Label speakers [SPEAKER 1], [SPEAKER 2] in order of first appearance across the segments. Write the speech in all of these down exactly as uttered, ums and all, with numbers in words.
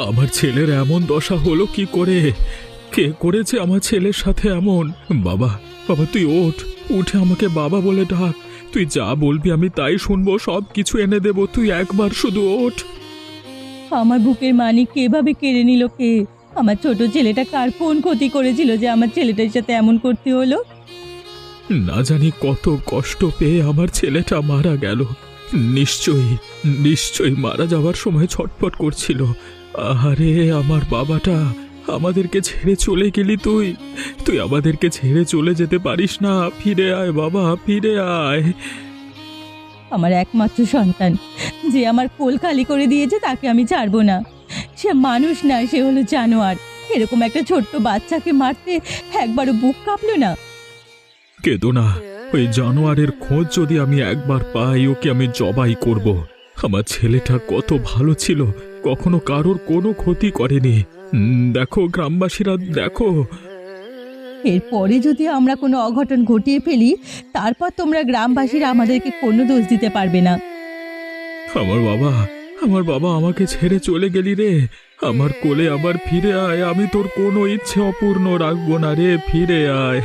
[SPEAKER 1] আমার ছেলের এমন দশা হলো কি করে? কে করেছে আমার ছেলের সাথে এমন? বাবা, বাবা তুই ওঠ, উঠে আমাকে বাবা বলে ডাক। তুই যা বলবি আমি তাই শুনবো, সব কিছু এনে দেব, তুই একবার শুধু ওঠ।
[SPEAKER 2] আমার বুকের মানিক এভাবে কেড়ে নিল কে? আমার ছোট ছেলেটা কার কোন ক্ষতি করেছিল যে আমার ছেলেটার সাথে এমন করতে হলো?
[SPEAKER 1] না জানি কত কষ্ট পেয়ে আমার ছেলেটা মারা গেল। নিশ্চয়ই নিশ্চয়ই মারা যাওয়ার সময় ছটফট করছিল। আরে আমার বাবাটা, আমাদেরকে ছেড়ে চলে গেলি তুই। তুই আমাদেরকে ছেড়ে চলে যেতে পারিস না। ফিরে আয় বাবা, ফিরে আয়।
[SPEAKER 2] আমার একমাত্র সন্তান যে আমার কোল খালি করে দিয়েছে তাকে আমি ছাড়বো না। সে মানুষ না, সে হলো জানোয়ার। এরকম একটা ছোট্ট বাচ্চাকে মারতে একবারও বুক কাঁপলো না?
[SPEAKER 1] কেঁদো না, ওই জানোয়ারের খোঁজ যদি আমি একবার পাই ওকে আমি জবাই করব। আমার ছেলেটা কত ভালো ছিল, কখনো কারোর কোনো ক্ষতি করেনি। দেখো গ্রামবাসীরা, দেখো।
[SPEAKER 2] এরপরে যদি আমরা কোনো অঘটন ঘটিয়ে ফেলি, তারপর তোমরা গ্রামবাসীরা আমাদেরকে কোনো দোষ দিতে পারবে না।
[SPEAKER 1] আমার বাবা, আমার বাবা আমাকে ছেড়ে চলে গেলি রে। আমার কোলে আবার ফিরে আয়, আমি তোর কোনো ইচ্ছে অপূর্ণ রাখবো না রে, ফিরে আয়।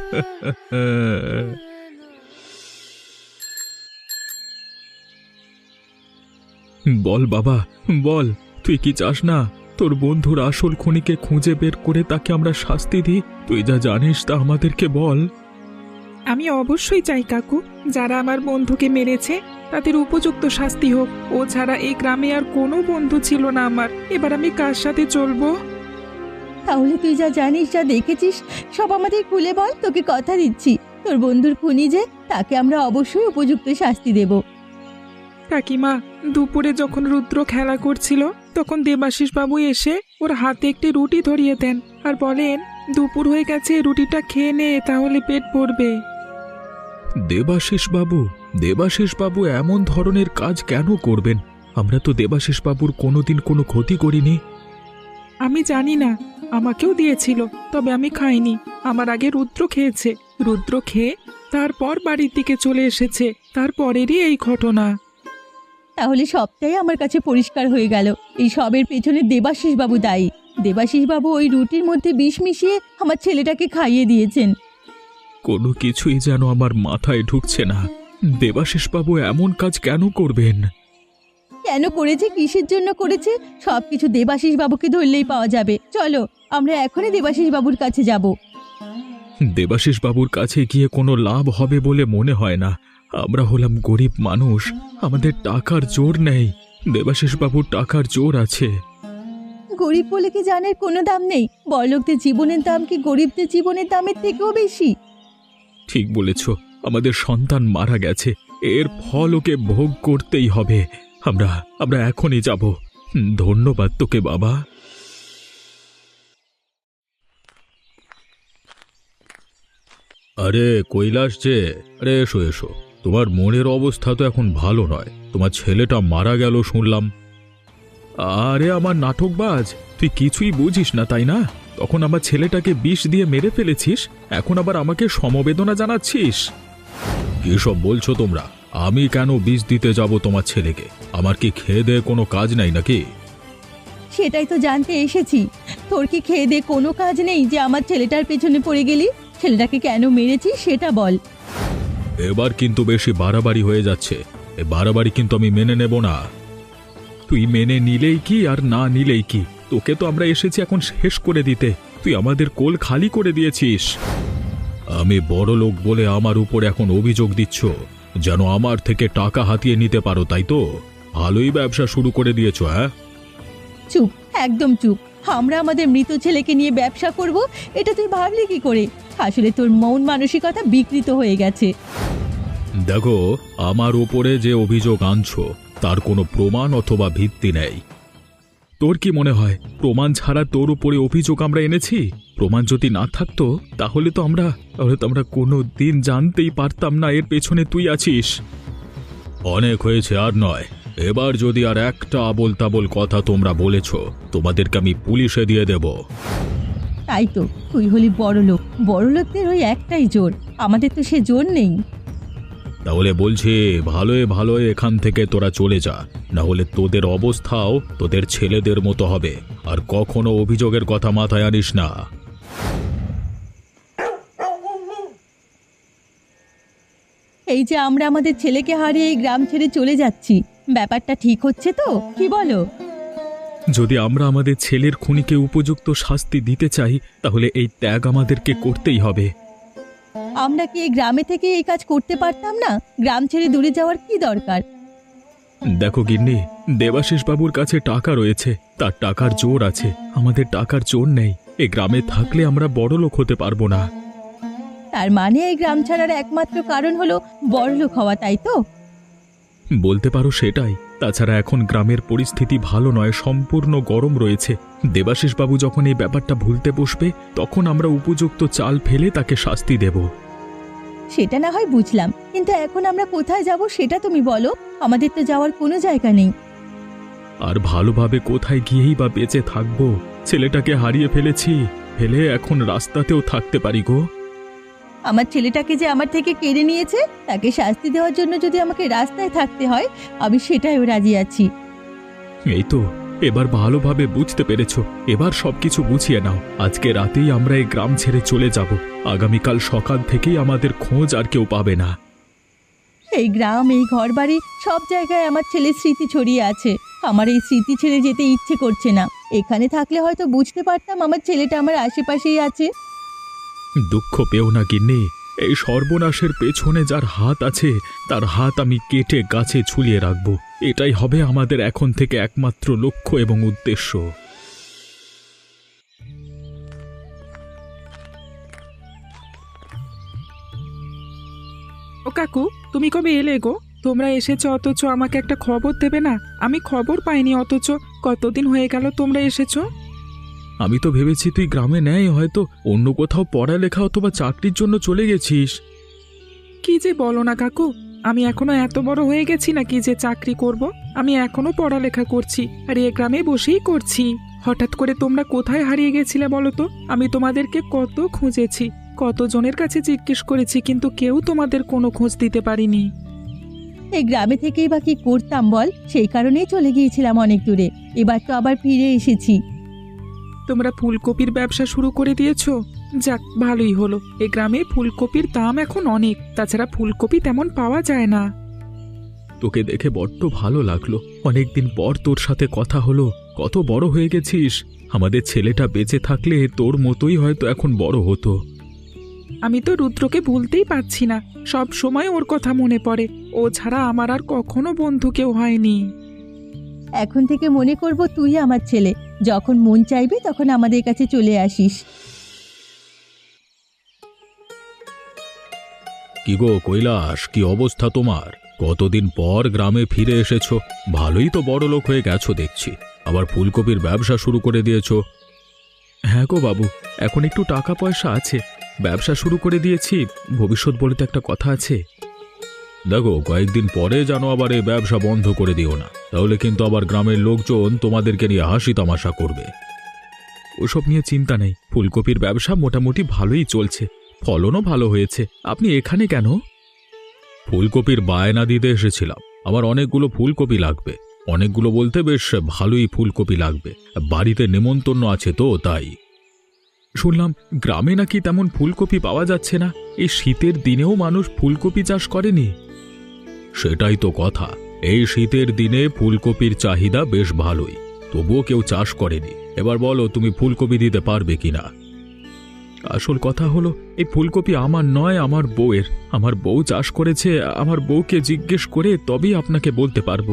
[SPEAKER 1] বল বাবা, বল, তুই কি চাস না তোর বন্ধুর আসল খুনিকে খুঁজে বের করে তাকে আমরা শাস্তি দিই? তুই যা জানিস তা আমাদেরকে বল।
[SPEAKER 3] আমি অবশ্যই চাই কাকু, যারা আমার বন্ধুকে মেরেছে তাদের উপযুক্ত শাস্তি হোক। ও ছাড়া এই গ্রামে আর কোনো বন্ধু ছিল না আমার। এবার আমি কার সাথে চলবো?
[SPEAKER 2] তাহলে তুই যা জানিস, যা দেখেছিস সব আমাদের খুলে বল। তোকে কথা দিচ্ছি, তোর বন্ধুর খুনি যে, তাকে আমরা অবশ্যই উপযুক্ত শাস্তি দেব।
[SPEAKER 3] কাকিমা, দুপুরে যখন রুদ্র খেলা করছিল তখন দেবাশিস বাবু এসে ওর হাতে একটি রুটি ধরিয়ে দেন আর বলেন, দুপুর হয়ে গেছে, রুটিটা খেয়ে নে, তাহলে পেট ভরবে।
[SPEAKER 1] দেবাশিস বাবু? দেবাশিস বাবু এমন ধরনের কাজ কেন করবেন? আমরা তো দেবাশিস বাবুর কোনোদিন কোনো ক্ষতি করিনি।
[SPEAKER 3] আমি জানি না, আমাকেও দিয়েছিল, তবে আমি খাইনি। আমার আগে রুদ্র খেয়েছে। রুদ্র খেয়ে তারপর বাড়ির দিকে চলে এসেছে। তারপরেরই এই ঘটনা।
[SPEAKER 2] তাহলে সবটাই আমার কাছে পরিষ্কার হয়ে গেল। এই সবের পেছনে দেবাশিস বাবু দায়ী। দেবাশিস বাবু ওই রুটির মধ্যে বিষ মিশিয়ে আমার ছেলেটাকে খাইয়ে দিয়েছেন।
[SPEAKER 1] কোনো কিছুই যেন আমার মাথায় ঢুকছে না। দেবাশিস বাবু এমন কাজ কেন করবেন?
[SPEAKER 2] কেন করেছে, কিসের জন্য করেছে, সবকিছু দেবাশিস বাবুকে ধরলেই পাওয়া যাবে। চলো, আমরা এখনই দেবাশিস বাবুর কাছে যাব।
[SPEAKER 1] দেবাশিস বাবুর কাছে গিয়ে কোনো লাভ হবে বলে মনে হয় না। আমরা হলাম গরিব মানুষ, আমাদের টাকার জোর নেই। দেবাশিস বাবুর টাকার জোর আছে।
[SPEAKER 2] গরিব বলে কি জানের কোনো দাম নেই? বড়লোকদের জীবনের দাম কি গরিবদের জীবনের দামের থেকেও বেশি?
[SPEAKER 1] ঠিক বলেছ, আমাদের সন্তান মারা গেছে, এর ফল ওকে ভোগ করতেই হবে। আমরা আমরা এখনই যাব। ধন্যবাদ তোকে বাবা। আরে কৈলাস যে, আরে এসো এসো। তোমার মনের অবস্থা তো এখন ভালো নয়, তোমার ছেলেটা মারা গেল শুনলাম। আরে আমার নাটকবাজ, তুই কিছুই বুঝিস না তাই না? তখন আমার ছেলেটাকে বিষ দিয়ে মেরে ফেলেছিস, এখন আবার আমাকে সমবেদনা জানাচ্ছিস। কি সব বলছো তোমরা? আমি কেন বিষ দিতে যাব তোমার ছেলেকে? আমার কি খেয়ে দেয়ে কোনো কাজ নাই নাকি?
[SPEAKER 2] সেটাই তো জানতে এসেছি। তোর কি খেয়ে দে কোনো কাজ নেই যে আমার ছেলেটার পেছনে পড়ে গেলি? ছেলেটাকে কেন মেরেছিস সেটা বল।
[SPEAKER 1] এবার কিন্তু বেশি বাড়াবাড়ি হয়ে যাচ্ছে। এ বাড়াবাড়ি কিন্তু আমি মেনে নেব না। তুই মেনে নিলেই কি আর না নিলেই কি, তোকে তো আমরা এসেছি এখন শেষ করে দিতে। তুই আমাদের কোল খালি করে দিয়েছিস। আমি বড় লোক বলে আমার উপর এখন অভিযোগ দিচ্ছ, যেন আমার থেকে টাকা হাতিয়ে নিতে পারো, তাই তো? ভালোই ব্যবসা শুরু করে দিয়েছ। হ্যাঁ,
[SPEAKER 2] চুপ, একদম চুপ। আমরা আমাদের মৃত ছেলেকে নিয়ে ব্যবসা করব, এটা তুই ভাবলি কি করে? আসলে তোর মন মানসিকতা বিকৃত হয়ে গেছে।
[SPEAKER 1] দেখো, আমার উপরে যে অভিযোগ আনছো তার কোনো প্রমাণ অথবা ভিত্তি নেই। তোর কি মনে হয় প্রমাণ ছাড়া তোর উপরে অভিযোগ আমরা এনেছি? প্রমাণ যদি না থাকতো তাহলে তো আমরা তাহলে তো আমরা কোনো দিন জানতেই পারতাম না এর পেছনে তুই আছিস। অনেক হয়েছে, আর নয়। এবার যদি আর একটা আবোল তাবোল কথা তোমরা বলেছ, তোমাদেরকে আমি পুলিশে দিয়ে দেব।
[SPEAKER 2] তাই তো, তুই হলি বড় লোক, বড় লোকদের ওই একটাই জোর, আমাদের তো সে জোর নেই।
[SPEAKER 1] তাহলে বলছি ভালোই ভালোই এখান থেকে তোরা চলে যা, না হলে তোদের অবস্থাও তোদের ছেলেদের মতো হবে। আর কখনো অভিযোগের কথা মাথায় আনিস না।
[SPEAKER 2] এই যে আমরা আমাদের ছেলেকে হারিয়ে এই গ্রাম ছেড়ে চলে যাচ্ছি, ব্যাপারটা ঠিক হচ্ছে তো, কি বলো?
[SPEAKER 1] যদি আমরা আমাদের ছেলের খুনিকে উপযুক্ত শাস্তি দিতে চাই তাহলে এই ত্যাগ আমাদেরকে করতেই হবে।
[SPEAKER 2] আমরা কি এই গ্রামে থেকে এই কাজ করতে পারতাম না? গ্রাম ছেড়ে দূরে যাওয়ার কি দরকার?
[SPEAKER 1] দেখো গিন্নি, দেবাশিস বাবুর কাছে টাকা রয়েছে, তার টাকার জোর আছে, আমাদের টাকার জোর নেই। এই গ্রামে থাকলে আমরা বড়লোক হতে পারবো না।
[SPEAKER 2] তার মানে এই গ্রাম ছাড়ার একমাত্র কারণ হলো বড়লোক হওয়া, তাই তো?
[SPEAKER 1] বলতে পারো সেটাই। তাছাড়া এখন গ্রামের পরিস্থিতি ভালো নয়, সম্পূর্ণ গরম রয়েছে। দেবাশিস বাবু যখন এই ব্যাপারটা ভুলতে বসবে তখন আমরা উপযুক্ত চাল ফেলে তাকে শাস্তি দেব।
[SPEAKER 2] সেটা না হয় বুঝলাম, কিন্তু এখন আমরা কোথায় যাব সেটা তুমি বলো। আমাদের তো যাওয়ার কোনো জায়গা নেই।
[SPEAKER 1] আর ভালোভাবে কোথায় গিয়েই বা বেঁচে থাকবো? ছেলেটাকে হারিয়ে ফেলেছি, ফেলে এখন রাস্তাতেও থাকতে পারি গো।
[SPEAKER 2] আমার ছেলেটাকে যে আমার থেকে কেড়ে নিয়েছে, তাকে শাস্তি দেওয়ার জন্য যদি আমাকে রাস্তায় থাকতে হয়, আমি সেটাইও রাজি আছি।
[SPEAKER 1] এই তো, এবার ভালোভাবে বুঝতে পেরেছো। এবার সবকিছু বুঝিয়ে নাও। আজকে রাতেই আমরা এই গ্রাম ছেড়ে চলে যাব। আগামীকাল সকাল থেকেই আমাদের খোঁজ আর কেউ পাবে না।
[SPEAKER 2] এই গ্রাম, এই ঘরবাড়ি, সব জায়গায় আমার ছেলের স্মৃতি ছড়িয়ে আছে। আমার এই স্মৃতি ছেড়ে যেতে ইচ্ছে করছে না। এখানে থাকলে হয়তো বুঝতে পারতাম আমার ছেলেটা আমার আশেপাশেই আছে।
[SPEAKER 1] দুঃখ পেও না গিন্নি, এই সর্বনাশের পেছনে যার হাত আছে তার হাত আমি কেটে গাছে ঝুলিয়ে রাখব। এটাই হবে আমাদের এখন থেকে একমাত্র লক্ষ্য এবং উদ্দেশ্য।
[SPEAKER 3] ও কাকু, তুমি কবে এলে গো? তোমরা এসেছো অথচ আমাকে একটা খবর দেবে না? আমি খবর পাইনি, অথচ কতদিন হয়ে গেল তোমরা এসেছো।
[SPEAKER 1] আমি তো ভেবেছি তুই গ্রামে নেই, হয়তো অন্য কোথাও পড়ালেখা অথবা চাকরির জন্য চলে গেছিস।
[SPEAKER 3] কি যে বলো না কাকু, আমি এখনো এত বড় হয়ে গেছি নাকি যে চাকরি করব? আমি এখনো পড়ালেখা করছি, আর এ গ্রামে বসেই করছি। হঠাৎ করে তোমরা কোথায় হারিয়ে গেছিলে বলো তো? আমি তোমাদেরকে কত খুঁজেছি, কত জনের কাছে জিজ্ঞেস করেছি, কিন্তু কেউ তোমাদের কোনো খোঁজ দিতে পারিনি।
[SPEAKER 2] এই গ্রামে থেকেই বা কি করতাম বল? সেই কারণেই চলে গিয়েছিলাম অনেক দূরে। এবার তো আবার ফিরে এসেছি।
[SPEAKER 3] তোমরা ফুলকপির ব্যবসা শুরু করে দিয়েছো? যাক, ভালোই হলো। এই গ্রামে ফুলকপির দাম এখন অনেক, তাছাড়া ফুলকপি তেমন পাওয়া যায় না।
[SPEAKER 1] তোকে দেখে বড্ড ভালো লাগলো। অনেকদিন পর তোর সাথে কথা হলো। কত বড় হয়ে গেছিস। আমাদের ছেলেটা বেঁচে থাকলে তোর মতোই হয়তো এখন বড় হতো।
[SPEAKER 3] আমি তো রুদ্রকে ভুলতেই পারছি না, সব সময় ওর কথা মনে পড়ে। ও ছাড়া আমার আর কখনো বন্ধু কেউ হয়নি।
[SPEAKER 2] এখন থেকে মনে করব তুই আমার ছেলে। যখন মন চাইবে তখন আমাদের কাছে চলে আসিস।
[SPEAKER 1] কি গো কৈলাস, কি অবস্থা তোমার? কতদিন পর গ্রামে ফিরে এসেছো। ভালোই তো বড় লোক হয়ে গেছো দেখছি। আবার ফুলকপির ব্যবসা শুরু করে দিয়েছো। হ্যাঁ গো বাবু, এখন একটু টাকা পয়সা আছে, ব্যবসা শুরু করে দিয়েছি। ভবিষ্যৎ বলে তো একটা কথা আছে। দেখো, কয়েকদিন পরে যেন আবার এই ব্যবসা বন্ধ করে দিও না, তাহলে কিন্তু আবার গ্রামের লোকজন তোমাদেরকে নিয়ে হাসি তামাশা করবে। ওসব নিয়ে চিন্তা নেই, ফুলকপির ব্যবসা মোটামুটি ভালোই চলছে, ফলনও ভালো হয়েছে। আপনি এখানে কেন? ফুলকপির বায়না দিতে এসেছিলাম। আমার অনেকগুলো ফুলকপি লাগবে। অনেকগুলো বলতে বেশ ভালোই ফুলকপি লাগবে। বাড়িতে নেমন্তন্ন আছে তো তাই। শুনলাম গ্রামে নাকি তেমন ফুলকপি পাওয়া যাচ্ছে না। এই শীতের দিনেও মানুষ ফুলকপি চাষ করেনি। সেটাই তো কথা, এই শীতের দিনে ফুলকপির চাহিদা বেশ ভালোই, তবুও কেউ চাষ করেনি। এবার বলো তুমি ফুলকপি দিতে পারবে কিনা। আসল কথা হলো এই ফুলকপি আমার নয়, আমার বউয়ের। আমার বউ চাষ করেছে, আমার বউকে জিজ্ঞেস করে তবেই আপনাকে বলতে পারবো।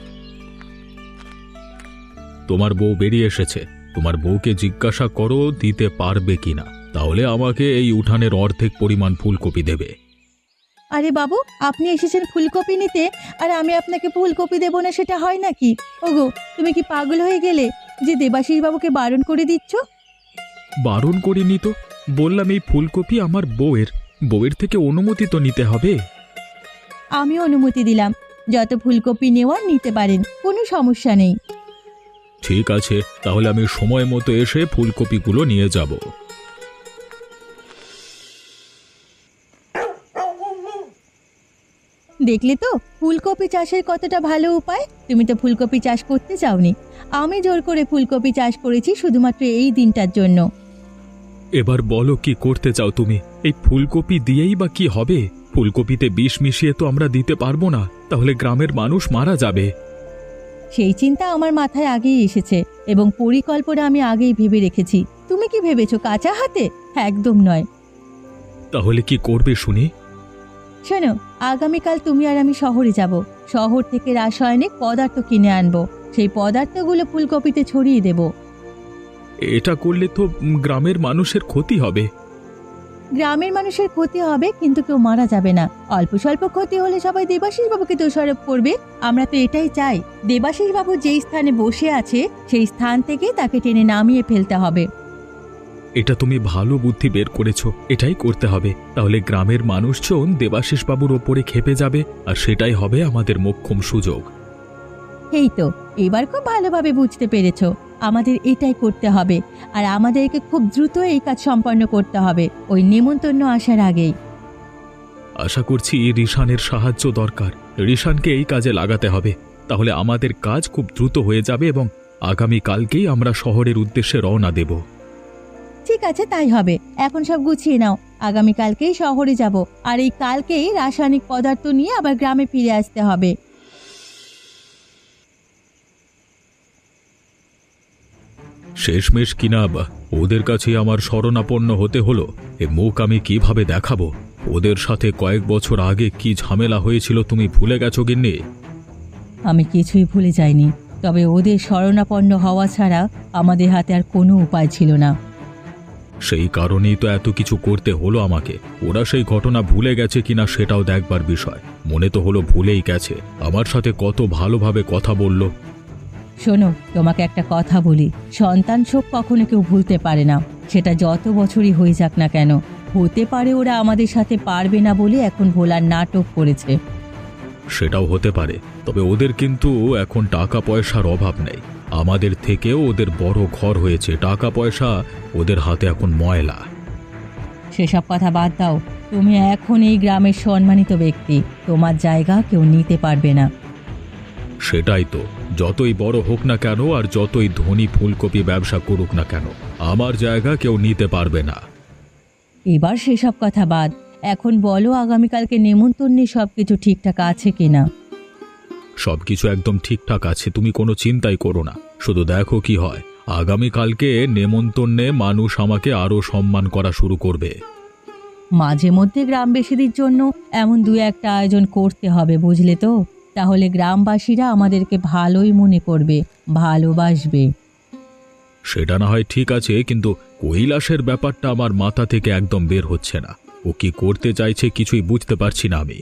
[SPEAKER 1] তোমার বউ বেরিয়ে এসেছে, তোমার বউকে জিজ্ঞাসা করো দিতে পারবে কিনা, তাহলে আমাকে এই উঠানের অর্ধেক পরিমাণ ফুলকপি দেবে।
[SPEAKER 2] আরে বাবু, আপনি এসেছেন ফুলকপি নিতে, আর আমি আপনাকে ফুলকপি দেবো না, সেটা হয় নাকি? ওগো, তুমি কি পাগল হয়ে গেলে যে দেবাশিস বাবুকে বারণ করে দিচ্ছ?
[SPEAKER 1] বারণ করিনি তো, বললাম এই ফুলকপি আমার বউয়ের। বউয়ের থেকে অনুমতি তো নিতে হবে।
[SPEAKER 2] আমি অনুমতি দিলাম, যত ফুলকপি নেওয়ার নিতে পারেন, কোনো সমস্যা নেই।
[SPEAKER 1] ঠিক আছে, তাহলে আমি সময় মতো এসে ফুলকপিগুলো নিয়ে যাব।
[SPEAKER 2] দেখলে তো ফুলকপি চাষের কতটা ভালো উপায়। তুমি তো ফুলকপি চাষ করতে চাওনি, আমি জোর করে ফুলকপি চাষ করেছি শুধুমাত্র এই দিনটার জন্য।
[SPEAKER 1] এবার বলো কি করতে চাও তুমি? এই ফুলকপি দিয়েই বা কি হবে? ফুলকপিতে বিষ মিশিয়ে তো আমরা দিতে পারবো না, তাহলে গ্রামের মানুষ মারা যাবে।
[SPEAKER 2] সেই চিন্তা আমার মাথায় আগেই এসেছে এবং পরিকল্পনা আমি আগেই ভেবে রেখেছি। তুমি কি ভেবেছো কাঁচা হাতে? একদম নয়।
[SPEAKER 1] তাহলে কি করবে শুনি?
[SPEAKER 2] শোনো, আগামীকাল তুমি আর আমি শহরে যাব। শহর থেকে রাসায়নিক পদার্থ কিনে আনবো, সেই পদার্থগুলো ফুলকপিতে ছড়িয়ে দেব।
[SPEAKER 1] এটা করলে তো উম, গ্রামের মানুষের ক্ষতি হবে।
[SPEAKER 2] গ্রামের মানুষের ক্ষতি হবে কিন্তু কেউ মারা যাবে না। অল্প স্বল্প ক্ষতি হলে সবাই দেবাশিস বাবুকে দোষারোপ করবে। আমরা তো এটাই চাই। দেবাশিস বাবু যেই স্থানে বসে আছে সেই স্থান থেকে তাকে টেনে নামিয়ে ফেলতে হবে।
[SPEAKER 1] এটা তুমি ভালো বুদ্ধি বের করেছো, এটাই করতে হবে। তাহলে গ্রামের মানুষজন দেবাশিস বাবুর ওপরে ক্ষেপে যাবে, আর সেটাই হবে আমাদের মোক্ষম সুযোগ।
[SPEAKER 2] এই তো, এবার খুব ভালোভাবে বুঝতে পেরেছো। আমাদের এটাই করতে হবে, আর আমাদেরকে খুব দ্রুত এই কাজ সম্পন্ন করতে হবে, ওই নেমন্তন্ন আসার আগেই।
[SPEAKER 1] আশা করছি রিশানের সাহায্য দরকার। রিশানকে এই কাজে লাগাতে হবে, তাহলে আমাদের কাজ খুব দ্রুত হয়ে যাবে এবং আগামী কালকেই আমরা শহরের উদ্দেশ্যে রওনা দেব।
[SPEAKER 2] ঠিক আছে, তাই হবে। এখন সব গুছিয়ে নাও, আগামীকালকেই শহরে যাব, আর এই কালকেই রাসায়নিক পদার্থ নিয়ে আবার গ্রামে ফিরে আসতে হবে।
[SPEAKER 1] শেষমেশ কিনা বা ওদের কাছে আমার শরণাপন্ন হতে হলো। এ মুখ আমি কিভাবে দেখাবো? ওদের সাথে কয়েক বছর আগে কি ঝামেলা হয়েছিল তুমি ভুলে গেছো গিন্নি?
[SPEAKER 2] আমি কিছুই ভুলে যাইনি, তবে ওদের শরণাপন্ন হওয়া ছাড়া আমাদের হাতে আর কোনো উপায় ছিল না।
[SPEAKER 1] সেই কারণেই তো এত কিছু করতে হলো আমাকে। ওরা সেই ঘটনা ভুলে গেছে কিনা সেটাও দেখবার বিষয়। মনে তো হলো ভুলেই গেছে। আমার সাথে কত ভালোভাবে কথা বলল।
[SPEAKER 2] শোনো, তোমাকে একটা কথা বলি, সন্তান শোক কখনো কেউ ভুলতে পারে না, সেটা যত বছরই হয়ে যাক না কেন। হতে পারে ওরা আমাদের সাথে পারবে না বলে এখন ভোলার নাটক করেছে।
[SPEAKER 1] সেটাও হতে পারে, তবে ওদের কিন্তু এখন টাকা পয়সার অভাব নেই। আমাদের থেকেও ওদের বড় ঘর হয়েছে, টাকা পয়সা ওদের হাতে এখন ময়লা।
[SPEAKER 2] সেসব কথা বাদ দাও। তুমি এখন এই গ্রামের সম্মানিত ব্যক্তি, তোমার জায়গা কেউ নিতে পারবে না।
[SPEAKER 1] সেটাই তো, যতই বড় হোক না কেন আর যতই ধনী ফুলকপি ব্যবসা করুক না কেন, আমার জায়গা কেউ নিতে পারবে না।
[SPEAKER 2] এবার সেসব কথা বাদ। এখন বলো, আগামীকালকে নেমন্তন্নে সব কিছু ঠিকঠাক আছে কিনা?
[SPEAKER 1] সবকিছু একদম ঠিকঠাক আছে, তুমি কোনো চিন্তাই করো না। শুধু দেখো কি হয়। আগামীকালকে নেমন্তন্নে মানুষ আমাকে আরো সম্মান করা শুরু করবে।
[SPEAKER 2] মাঝে মধ্যে গ্রামবাসীদের জন্য এমন দু একটা আয়োজন করতে হবে, বুঝলে তো? তাহলে গ্রামবাসীরা আমাদেরকে ভালোই মনে করবে, ভালোবাসবে।
[SPEAKER 1] সেটা না হয় ঠিক আছে, কিন্তু কৈলাসের ব্যাপারটা আমার মাথা থেকে একদম বের হচ্ছে না। ও কি করতে চাইছে কিছুই বুঝতে পারছি না আমি।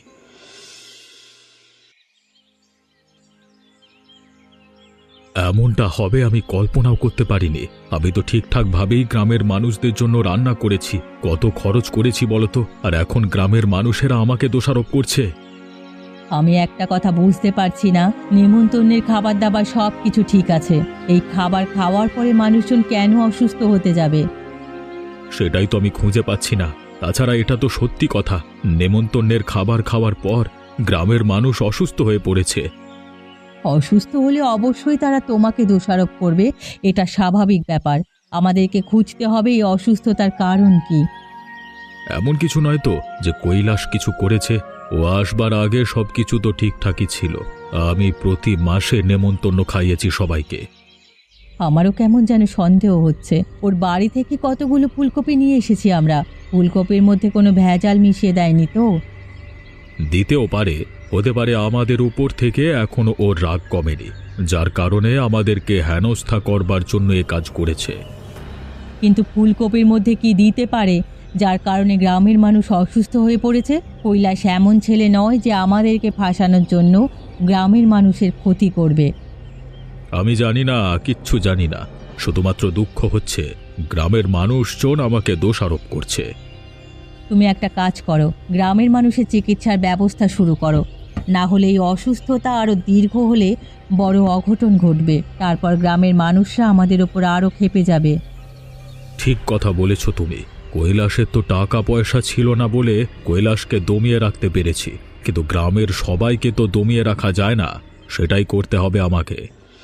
[SPEAKER 1] এমনটা হবে আমি কল্পনাও করতে পারিনি। আমি তো ঠিকঠাক ভাবেই গ্রামের মানুষদের জন্য রান্না করেছি, কত খরচ করেছি বলতো, আর এখন গ্রামের মানুষেরা আমাকে দোষারোপ করছে।
[SPEAKER 2] আমি একটা কথা বুঝতে পারছি না, নেমন্তন্নের খাবার দাবার সব কিছু ঠিক আছে, এই খাবার খাওয়ার পরে মানুষজন কেন অসুস্থ হতে যাবে?
[SPEAKER 1] সেটাই তো আমি খুঁজে পাচ্ছি না। তাছাড়া এটা তো সত্যি কথা, নেমন্তন্নের খাবার খাওয়ার পর গ্রামের মানুষ অসুস্থ হয়ে পড়েছে।
[SPEAKER 2] অসুস্থ হলে অবশ্যই তারা তোমাকে দোষারোপ করবে, এটা স্বাভাবিক ব্যাপার। আমাদেরকে খুঁজতে হবে এই অসুস্থতার কারণ কি।
[SPEAKER 1] এমন কিছু নয় তো যে কৈলাস কিছু করেছে। ও আসবার আগে সবকিছু তো ঠিকঠাকই ছিল। আমি প্রতি মাসে নেমন্তন্ন খাইয়েছি সবাইকে।
[SPEAKER 2] আমারও কেমন যেন সন্দেহ হচ্ছে। ওর বাড়ি থেকে কতগুলো ফুলকপি নিয়ে এসেছি আমরা, ফুলকপির মধ্যে কোনো ভেজাল মিশিয়ে দেয়নি তো?
[SPEAKER 1] দিতেও পারে, হতে পারে আমাদের উপর থেকে এখনো ওর রাগ কমেনি, যার কারণে আমাদেরকে হেনস্থা করবার জন্য এ কাজ করেছে।
[SPEAKER 2] কিন্তু ফুলকপির মধ্যে কি দিতে পারে যার কারণে গ্রামের মানুষ অসুস্থ হয়ে পড়েছে? কৈলাস এমন ছেলে নয় যে আমাদেরকে ফাঁসানোর জন্য গ্রামের মানুষের ক্ষতি করবে।
[SPEAKER 1] আমি জানি না, কিচ্ছু জানি না। শুধুমাত্র দুঃখ হচ্ছে গ্রামের মানুষজন আমাকে দোষারোপ করছে।
[SPEAKER 2] তুমি একটা কাজ করো, গ্রামের মানুষের চিকিৎসার ব্যবস্থা শুরু করো, না হলে এই অসুস্থতা আরও দীর্ঘ হলে বড় অঘটন ঘটবে। তারপর গ্রামের মানুষরা আমাদের ওপর আরও ক্ষেপে যাবে।
[SPEAKER 1] ঠিক কথা বলেছ তুমি। কৈলাসের তো টাকা পয়সা ছিল না বলে কৈলাসকে দমিয়ে রাখতে পেরেছি, কিন্তু গ্রামের সবাইকে তো দমিয়ে রাখা যায় না, সেটাই করতে হবে আমাকে।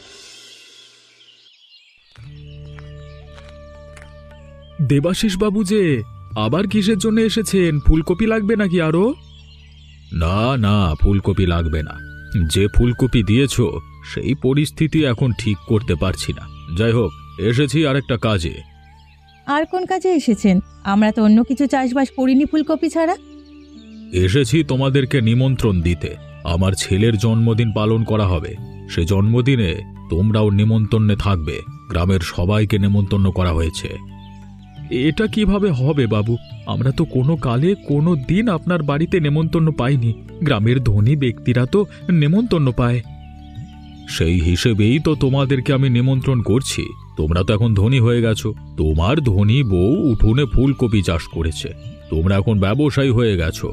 [SPEAKER 1] দেবাশিস বাবু যে আবার কিসের জন্য এসেছেন? ফুলকপি লাগবে নাকি আরো? না না, ফুলকপি লাগবে না। যে ফুলকপি দিয়েছ সেই পরিস্থিতি এখন ঠিক করতে পারছি না। যাই হোক, এসেছি আরেকটা কাজে।
[SPEAKER 2] আর কোন কাজে এসেছেন? আমরা তো অন্য কিছু চাষবাস করিনি ফুলকপি ছাড়া।
[SPEAKER 1] এসেছি তোমাদেরকে নিমন্ত্রণ দিতে। আমার ছেলের জন্মদিন পালন করা হবে। সে জন্মদিনে তোমরাও নিমন্ত্রণে থাকবে। গ্রামের সবাইকে নিমন্ত্রণ করা হয়েছে। এটা কিভাবে হবে বাবু? আমরা তো কোনো কালে কোনো দিন আপনার বাড়িতে নেমন্তন্ন পাইনি। গ্রামের ধনী ব্যক্তিরা তো নেমন্তন্ন পায়। সেই হিসেবেই তো তোমাদেরকে আমি নিমন্ত্রণ করছি। তোমরা তো এখন ধনী হয়ে গেছো। তোমার ধনী বউ উঠোনে ফুলকপি চাষ করেছে। তোমরা এখন ব্যবসায়ী হয়ে গেছো।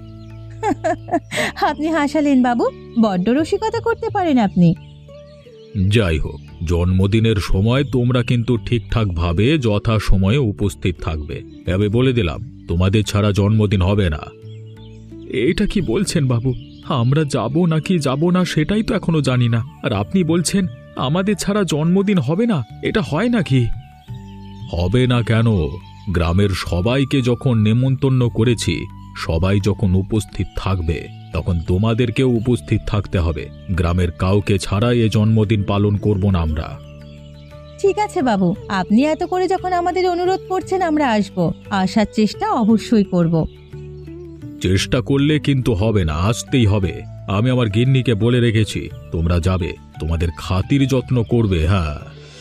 [SPEAKER 2] আপনি হাসালেন বাবু, বড্ড রসিকতা করতে পারেন আপনি।
[SPEAKER 1] যাই হোক, জন্মদিনের সময় তোমরা কিন্তু ঠিকঠাক ভাবে যথা সময়ে উপস্থিত থাকবে। তবে বলে দিলাম, তোমাদের ছাড়া জন্মদিন হবে না। এটা কি বলছেন বাবু? আমরা যাব নাকি যাব না সেটাই তো এখনো জানি না, আর আপনি বলছেন আমাদের ছাড়া জন্মদিন হবে না? এটা হয় নাকি? হবে না কেন? গ্রামের সবাইকে যখন নেমন্তন্ন করেছি, সবাই যখন উপস্থিত থাকবে তখন তোমাদেরকেও উপস্থিত থাকতে হবে। গ্রামের কাউকে ছাড়াই এ জন্মদিন পালন করব না আমরা।
[SPEAKER 2] ঠিক আছে বাবু, আপনি এত করে যখন আমাদের অনুরোধ করছেন আমরা আসব। আসার চেষ্টা অবশ্যই করব।
[SPEAKER 1] চেষ্টা করলে কিন্তু হবে না, আসতেই হবে। আমি আমার গিন্নিকে বলে রেখেছি তোমরা যাবে, তোমাদের খাতির যত্ন করবে। হ্যাঁ,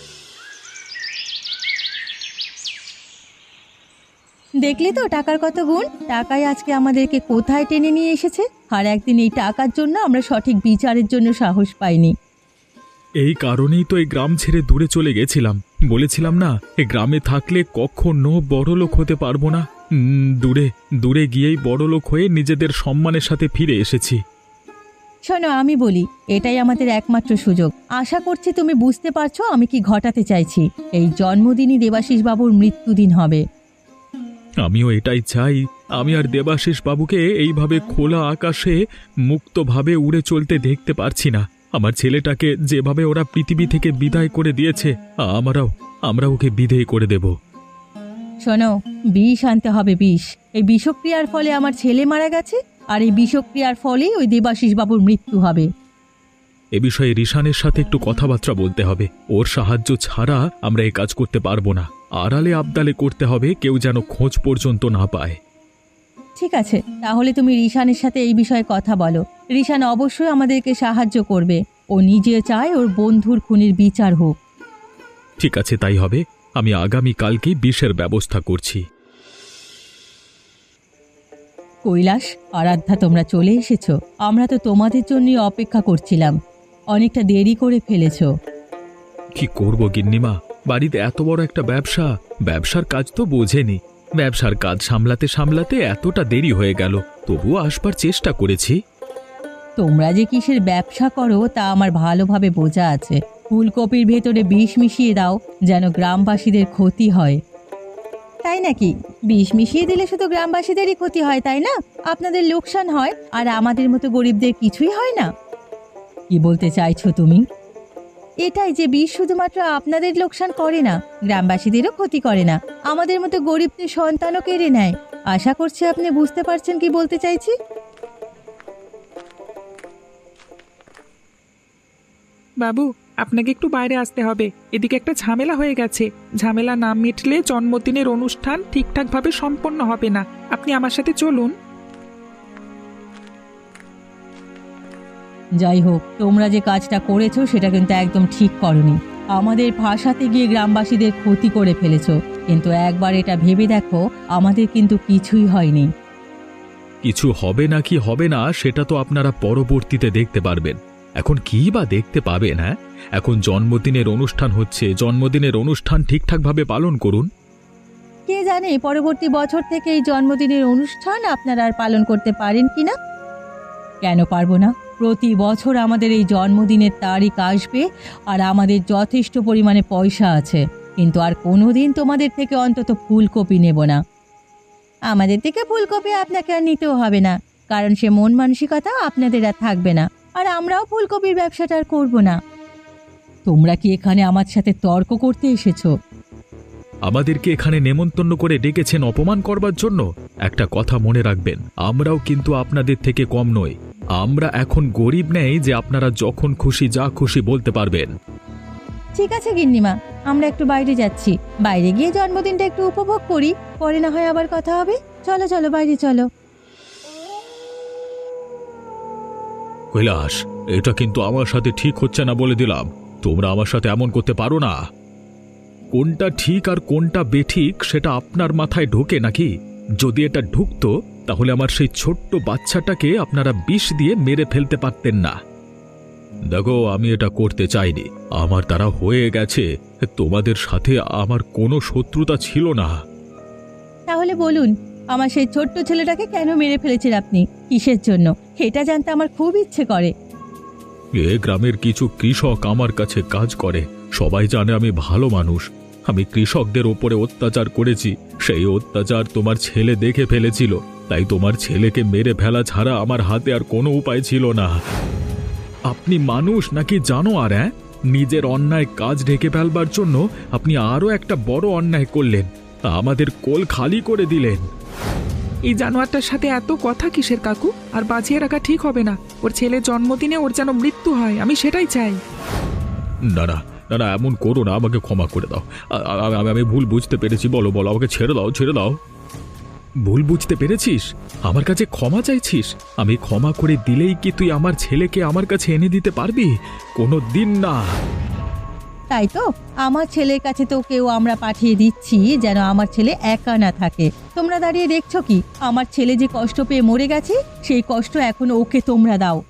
[SPEAKER 2] দেখলি তো টাকার কত গুণ? টাকাই আজকে আমাদেরকে কোথায় টেনে নিয়ে এসেছে। আর একদিন এই টাকার জন্য আমরা সঠিক বিচারের জন্য সাহস পাইনি।
[SPEAKER 1] এই কারণেই তো এই গ্রাম ছেড়ে দূরে চলে গেছিলাম। বলেছিলাম না, এই গ্রামে থাকলে কখনো বড়লোক হতে পারবো না। উম, দূরে দূরে গিয়েই বড়লোক হয়ে নিজেদের সম্মানের সাথে ফিরে এসেছি।
[SPEAKER 2] শোনো, আমি বলি, এটাই আমাদের একমাত্র সুযোগ। আশা করছি তুমি বুঝতে পারছো আমি কি ঘটাতে চাইছি। এই জন্মদিনই দেবাশিস বাবুর মৃত্যুদিন হবে।
[SPEAKER 1] আমিও এটাই চাই। আমি আর দেবাশিস বাবুকে এইভাবে খোলা আকাশে মুক্তভাবে উড়ে চলতে দেখতে পারছি না। আমার ছেলেটাকে যেভাবে ওরা পৃথিবী থেকে বিদায় করে দিয়েছে, আমরাও আমরা ওকে বিদায় করে দেব।
[SPEAKER 2] শোনো, বিষ আনতে হবে, বিষ। এই বিষক্রিয়ার ফলে আমার ছেলে মারা গেছে, আর এই বিষক্রিয়ার ফলেই ওই দেবাশিস বাবুর মৃত্যু হবে।
[SPEAKER 1] এ বিষয়ে রিশানের সাথে একটু কথাবার্তা বলতে হবে। ওর সাহায্য ছাড়া আমরা এই কাজ করতে পারবো না। আড়ালে আবদালে করতে হবে, কেউ যেন খোঁজ পর্যন্ত না পায়।
[SPEAKER 2] ঠিক আছে, তাহলে তুমি রিশানের সাথে এই বিষয়ে কথা বলো। রিশান অবশ্যই আমাদেরকে সাহায্য করবে। ও নিজে চায় ওর বন্ধুর খুনির বিচার হোক।
[SPEAKER 1] ঠিক আছে, তাই হবে। আমি আগামীকালকেই বিষের ব্যবস্থা করছি।
[SPEAKER 2] কৈলাস, আরাধ্যা, তোমরা চলে এসেছো। আমরা তো তোমাদের জন্যই অপেক্ষা করছিলাম। অনেকটা দেরি করে ফেলেছো।
[SPEAKER 1] কি করব গিন্নিমা, বাড়িতে এত বড় একটা ব্যবসা, ব্যবসার কাজ তো বোঝেনি। ব্যবসার কাজ সামলাতে সামলাতে এতটা দেরি হয়ে গেল। তবুও আসবার চেষ্টা করেছি।
[SPEAKER 2] তোমরা যে কিসের ব্যবসা করো তা আমার ভালোভাবে বোঝা আছে। ফুলকপির ভেতরে বিষ মিশিয়ে দাও যেন গ্রামবাসীদের ক্ষতি হয়। তাই নাকি? বিষ মিশিয়ে দিলে শুধু গ্রামবাসীদেরই ক্ষতি হয়, তাই না? আপনাদের লোকসান হয়, আর আমাদের মতো গরিবদের কিছুই হয় না। কি বলতে চাইছো তুমি? এটাই যে বিষ শুধুমাত্র আপনাদের লোকসান করে না, গ্রামবাসীদেরও ক্ষতি করে না, আমাদের মতো গরিবদের সন্তানও কেড়ে নেয়। আশা করছি আপনি বুঝতে পারছেন কি বলতে চাইছি।
[SPEAKER 3] বাবু, আপনাকে একটু বাইরে আসতে হবে। এদিকে একটা ঝামেলা হয়ে গেছে। ঝামেলা না মিটলে জন্মদিনের অনুষ্ঠান ঠিকঠাকভাবে সম্পন্ন হবে না। আপনি আমার সাথে চলুন।
[SPEAKER 2] যাই হোক, তোমরা যে কাজটা করেছো সেটা কিন্তু একদম ঠিক করনি। আমাদের ফাঁসাতে গিয়ে গ্রামবাসীদের ক্ষতি করে ফেলেছো। কিন্তু একবার এটা ভেবে দেখো, আমাদের কিন্তু কিছুই হয়নি।
[SPEAKER 1] কিছু হবে না কি হবে না সেটা তো আপনারা পরবর্তীতে দেখতে পারবেন। এখন কি বা দেখতে পাবেন? হ্যাঁ, এখন জন্মদিনের অনুষ্ঠান হচ্ছে, জন্মদিনের অনুষ্ঠান ঠিকঠাকভাবে পালন করুন।
[SPEAKER 2] কে জানে পরবর্তী বছর থেকে এই জন্মদিনের অনুষ্ঠান আপনারা আর পালন করতে পারেন কিনা। কেন পারবো না? প্রতি বছর আমাদের এই জন্মদিনের তারিখ আসবে, আর আমাদের যথেষ্ট পরিমাণে পয়সা আছে, কিন্তু আর কোনোদিন তোমাদের থেকে অন্তত ফুলকপি নেব না। আমাদের থেকে ফুলকপি আপনাকে আর নিতেও হবে না। কারণ সে মন মানসিকতা আপনাদের আর থাকবে না, আর আমরাও ফুলকপির ব্যবসাটা আর করবো না। তোমরা কি এখানে আমার সাথে তর্ক করতে এসেছো?
[SPEAKER 1] আমাদেরকে এখানে নেমন্তন্ন করে ডেকেছেন অপমান করবার জন্য? একটা কথা মনে রাখবেন, আমরাও কিন্তু আপনাদের থেকে কম নই। আমরা এখন গরিব নেই যে আপনারা যখন খুশি যা খুশি বলতে পারবেন।
[SPEAKER 2] ঠিক আছে গিন্নিমা, আমরা একটু বাইরে যাচ্ছি, বাইরে গিয়ে জন্মদিনটা একটু উপভোগ করি, পরে না হয় আবার কথা হবে। চলো চলো বাইরে চলো।
[SPEAKER 1] কৈলাস, এটা কিন্তু আমার সাথে ঠিক হচ্ছে না বলে দিলাম। তোমরা আমার সাথে এমন করতে পারো না। কোনটা ঠিক আর কোনটা বেঠিক সেটা আপনার মাথায় ঢোকে নাকি? যদি এটা ঢুকতো তাহলে আমার সেই ছোট্ট বাচ্চাটাকে আপনারা বিষ দিয়ে মেরে ফেলতে পারতেন না। দেখো, আমি এটা করতে চাইনি, আমার দ্বারা হয়ে গেছে। তোমাদের সাথে আমার কোনো শত্রুতা ছিল না।
[SPEAKER 2] তাহলে বলুন, আমার সেই ছোট্ট ছেলেটাকে কেন মেরে ফেলেছেন আপনি? কিসের জন্য? এটা জানতে আমার খুব ইচ্ছে করে।
[SPEAKER 1] এ গ্রামের কিছু কৃষক আমার কাছে কাজ করে, সবাই জানে আমি ভালো মানুষ। আমি কৃষকদের ওপরে অত্যাচার করেছি, সেই অত্যাচার তোমার ছেলে দেখে ফেলেছিল, তাই তোমার ছেলেকে মেরে ফেলা ছাড়া আমার হাতে আর কোনো উপায় ছিল না। আপনি মানুষ নাকি জানোয়ার? হ্যাঁ, নিজের অন্যায় কাজ ঢেকে ফেলবার জন্য আপনি আরও একটা বড় অন্যায় করলেন, আমাদের কোল খালি করে দিলেন।
[SPEAKER 3] এই জানোয়ারটার সাথে এত কথা কিসের কাকু? আর বাঁচিয়ে রাখা ঠিক হবে না। ওর ছেলের জন্মদিনে ওর যেন মৃত্যু হয়, আমি সেটাই চাই।
[SPEAKER 1] না না না না, এমন করো না, আমাকে ক্ষমা করে দাও। আ- আ- আমি আমি ভুল বুঝতে পেরেছি। বলো বলো, আমাকে ছেড়ে দাও, ছেড়ে দাও। ভুল বুঝতে পেরেছিস? আমার কাছে ক্ষমা চাইছিস? আমি ক্ষমা করে দিলেই কি তুই আমার ছেলেকে আমার কাছে এনে দিতে পারবি? কোনো দিন না।
[SPEAKER 2] তাই তো, আমার ছেলের কাছে তো কেউ আমরা পাঠিয়ে দিচ্ছি যেন আমার ছেলে একা না থাকে। তোমরা দাঁড়িয়ে দেখছো কি? আমার ছেলে যে কষ্ট পেয়ে মরে গেছে, সেই কষ্ট এখন ওকে তোমরা দাও।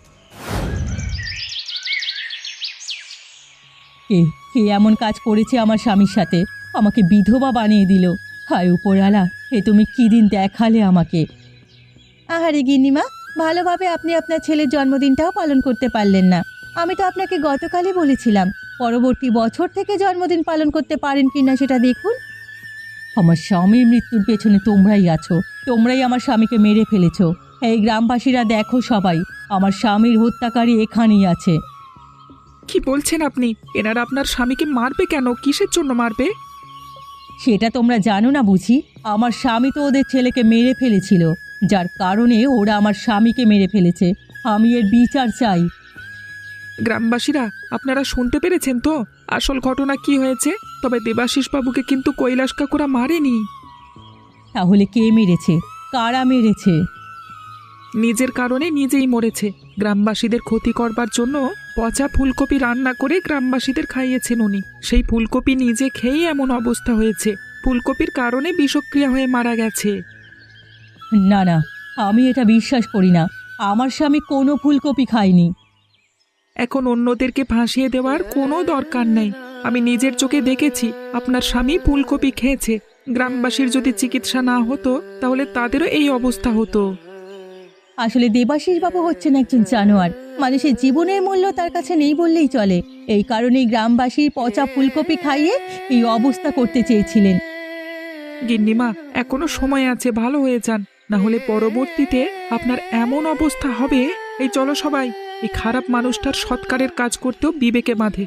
[SPEAKER 2] কে কে এমন কাজ করেছে আমার স্বামীর সাথে? আমাকে বিধবা বানিয়ে দিল। হায় উপরওয়ালা, এ তুমি কি দিন দেখালে আমাকে। আহারে গিন্নিমা, ভালোভাবে আপনি আপনার ছেলের জন্মদিনটাও পালন করতে পারলেন না। আমি তো আপনাকে গতকালই বলেছিলাম, পরবর্তী বছর থেকে জন্মদিন পালন করতে পারেন কিনা সেটা দেখুন। আমার স্বামীর মৃত্যুর পেছনে তোমরাই আছো, তোমরাই আমার স্বামীকে মেরে ফেলেছো। এই গ্রামবাসীরা দেখো সবাই, আমার স্বামীর হত্যাকারী এখানেই আছে।
[SPEAKER 3] কি বলছেন আপনি? এনারা আপনার স্বামীকে মারবে কেন? কিসের জন্য মারবে?
[SPEAKER 2] সেটা তোমরা জানো না বুঝি? আমার স্বামী তো ওদের ছেলেকে মেরে ফেলেছিল, যার কারণে ওরা আমার স্বামীকে মেরে ফেলেছে। আমি এর বিচার চাই।
[SPEAKER 3] গ্রামবাসীরা, আপনারা শুনতে পেরেছেন তো আসল ঘটনা কি হয়েছে? তবে দেবাশিস বাবুকে কিন্তু কৈলাস কাকুরা মারেনি।
[SPEAKER 2] তাহলে কে মেরেছে? কারা মেরেছে?
[SPEAKER 3] নিজের কারণে নিজেই মরেছে। গ্রামবাসীদের ক্ষতি করবার জন্য পচা ফুলকপি রান্না করে গ্রামবাসীদের খাইয়েছেন উনি। সেই ফুলকপি নিজে খেয়েই এমন অবস্থা হয়েছে। ফুলকপির কারণে বিষক্রিয়া হয়ে মারা গেছে।
[SPEAKER 2] না না, আমি এটা বিশ্বাস করি না। আমার স্বামী কোনো ফুলকপি খায়নি।
[SPEAKER 3] এখন অন্যদেরকে ফাঁসিয়ে দেওয়ার কোনো দরকার নেই। আমি নিজের চোখে দেখেছি আপনার স্বামী ফুলকপি খেয়েছে। গ্রামবাসীর যদি চিকিৎসা না হতো তাহলে তাদেরও এই অবস্থা হতো।
[SPEAKER 2] আসলে দেবাশিস বাবু হচ্ছেন একজন জানোয়ার। মানুষের জীবনের মূল্য তার কাছে নেই বললেই চলে। এই কারণেই গ্রামবাসীর পচা ফুলকপি খাইয়ে এই অবস্থা করতে চেয়েছিলেন।
[SPEAKER 3] গিন্নিমা, এখনো সময় আছে, ভালো হয়ে যান, না হলে পরবর্তীতে আপনার এমন অবস্থা হবে। এই চলো সবাই, এই খারাপ মানুষটার সৎকারের কাজ করতেও বিবেকে বাঁধে।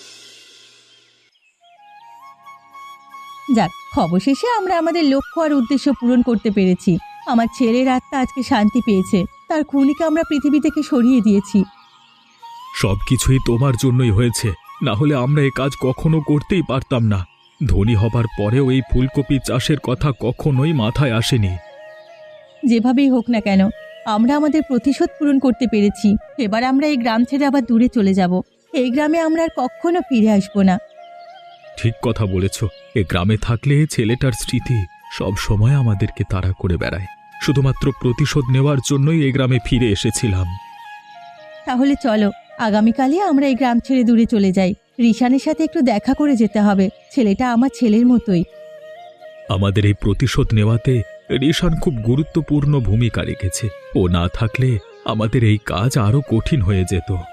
[SPEAKER 2] যাক, অবশেষে আমরা আমাদের লক্ষ্য আর উদ্দেশ্য পূরণ করতে পেরেছি। আমার ছেলের আত্মা আজকে শান্তি পেয়েছে, তার খুনিকে আমরা পৃথিবী থেকে সরিয়ে দিয়েছি।
[SPEAKER 1] সবকিছুই তোমার জন্যই হয়েছে, না হলে আমরা এই কাজ কখনো করতেই পারতাম না। ধনী হবার পরেও এই ফুলকপি চাষের কথা কখনোই মাথায় আসেনি।
[SPEAKER 2] যেভাবেই হোক না কেন, আমরা আমাদের প্রতিশোধ পূরণ করতে পেরেছি। এবার আমরা এই গ্রাম ছেড়ে আবার দূরে চলে যাব। এই গ্রামে আমরা আর কখনো ফিরে আসবো না।
[SPEAKER 1] ঠিক কথা বলেছ। এ গ্রামে থাকলে ছেলেটার স্মৃতি সব সময় আমাদেরকে তাড়া করে বেড়ায়। শুধুমাত্র প্রতিশোধ নেওয়ার জন্যই এই গ্রামে ফিরে এসেছিলাম।
[SPEAKER 2] তাহলে চলো, আগামীকালই আমরা এই গ্রাম ছেড়ে দূরে চলে যাই। রিশানের সাথে একটু দেখা করে যেতে হবে। ছেলেটা আমার ছেলের মতোই।
[SPEAKER 1] আমাদের এই প্রতিশোধ নেওয়াতে রিশান খুব গুরুত্বপূর্ণ ভূমিকা রেখেছে। ও না থাকলে আমাদের এই কাজ আরো কঠিন হয়ে যেত।